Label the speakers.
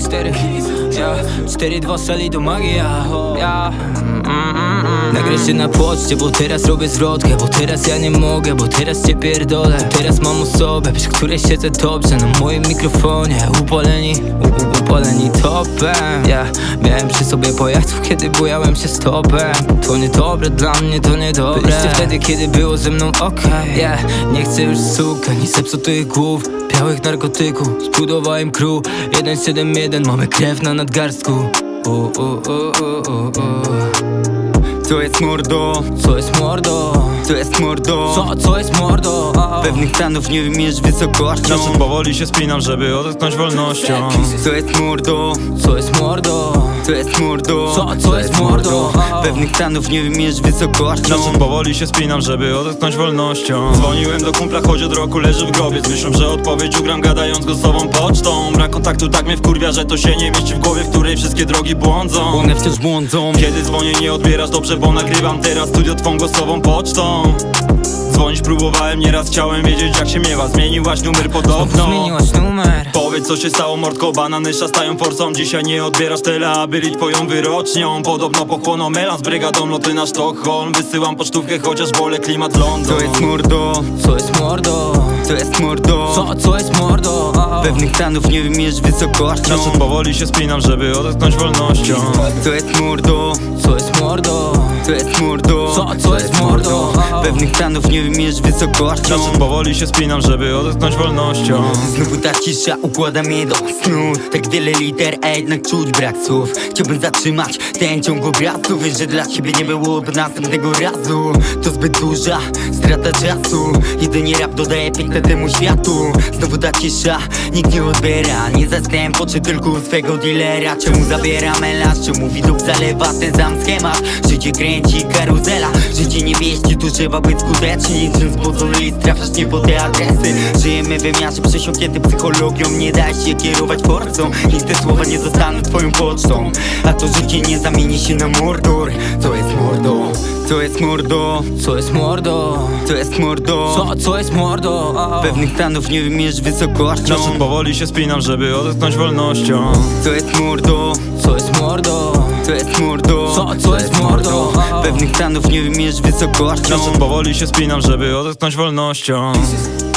Speaker 1: 4, ja 4-2 sali to magia, ja. Nagraj się na poczcie, bo teraz robię zwrotkę. Bo teraz ja nie mogę, bo teraz cię pierdolę. Teraz mam osobę, przy której siedzę dobrze. Na moim mikrofonie upaleni topem. Ja miałem przy sobie pojazdów, kiedy bujałem się stopem. To niedobre dla mnie, to niedobre. Byliście wtedy, kiedy było ze mną okej. Yeah, nie chcę już suk, ani zepsutych głów, białych narkotyków. Zbudowałem crew 171, mamy krew na nadgarstku.
Speaker 2: Co jest mordo?
Speaker 1: Co jest mordo?
Speaker 2: Co jest mordo?
Speaker 1: Co jest mordo?
Speaker 2: Pewnych stanów nie wymierz wysokością.
Speaker 3: Znaczy powoli się spinam, żeby odetchnąć wolnością.
Speaker 2: Co jest mordo?
Speaker 1: Co jest mordo?
Speaker 2: Co jest mordo?
Speaker 1: Co jest mordo?
Speaker 2: Pewnych stanów nie wymierz wysokością.
Speaker 3: Znaczy powoli się spinam, żeby odetchnąć wolnością. Dzwoniłem do kumpla, choć od roku leży w grobie. Myślą, że odpowiedź ugram gadając głosową pocztą. Brak kontaktu tak mnie wkurwia, że to się nie mieści w głowie, w której wszystkie drogi błądzą.
Speaker 2: One wciąż błądzą.
Speaker 3: Kiedy dzwonię nie odbierasz, dobrze, bo nagrywam teraz studio twą głosową pocztą. Dzwonić próbowałem nieraz, chciałem wiedzieć jak się miewa. Zmieniłaś numer podobno.
Speaker 1: Zmieniłaś numer.
Speaker 3: Powiedz co się stało mordko, banany szastają forsą. Dzisiaj nie odbierasz tyle, a byli twoją wyrocznią. Podobno pochłoną melan z brygadą, loty na Sztokholm. Wysyłam pocztówkę, chociaż wolę klimat London.
Speaker 2: Co jest mordo?
Speaker 1: Co jest mordo?
Speaker 2: Co jest mordo?
Speaker 1: Co jest mordo?
Speaker 2: Pewnych stanów nie wymierz wysokością.
Speaker 3: Znaczy powoli się spinam, żeby odetchnąć wolnością.
Speaker 2: Co jest mordo?
Speaker 1: Co jest mordo?
Speaker 2: Co jest mordo?
Speaker 1: Co jest mordo?
Speaker 2: Pewnych stanów nie wymierz wysokością.
Speaker 3: Znaczy powoli się spinam, żeby odetchnąć wolnością.
Speaker 2: Znowu ta cisza układa mnie do snu. Tak wiele liter, a jednak czuć brak słów. Chciałbym zatrzymać ten ciąg obrazów. Wiesz, że dla ciebie nie byłoby następnego razu. To zbyt duża strata czasu. Jedynie rap dodaje piękne temu światu. Znowu ta cisza, nikt nie odbiera. Nie zastałem poczy tylko u swego dealera. Czemu zabiera melanż, czemu widok zalewa ten sam schemat. Życie kręci karuzela, życie nie wieści, tu trzeba być skuteczny. Niczym z pozwoli trafiasz nie po te adresy. Żyjemy w wymiarze przesiąknięty psychologią. Nie daj się kierować forcą, niech te słowa nie zostaną twoją pocztą. A to życie nie zamieni się na mordor. Co jest mordo? Co jest mordo?
Speaker 1: Co jest mordo?
Speaker 2: Co jest mordo?
Speaker 1: Co jest mordo?
Speaker 2: Pewnych stanów nie wymierz wysokością.
Speaker 3: Znaczy powoli się spinam, żeby odetchnąć wolnością.
Speaker 2: Co jest mordo?
Speaker 1: Co jest mordo?
Speaker 2: Co jest mordo?
Speaker 1: Co jest mordo?
Speaker 2: Pewnych stanów nie wymierz wysokością.
Speaker 3: Znaczy powoli się spinam, żeby odetchnąć wolnością.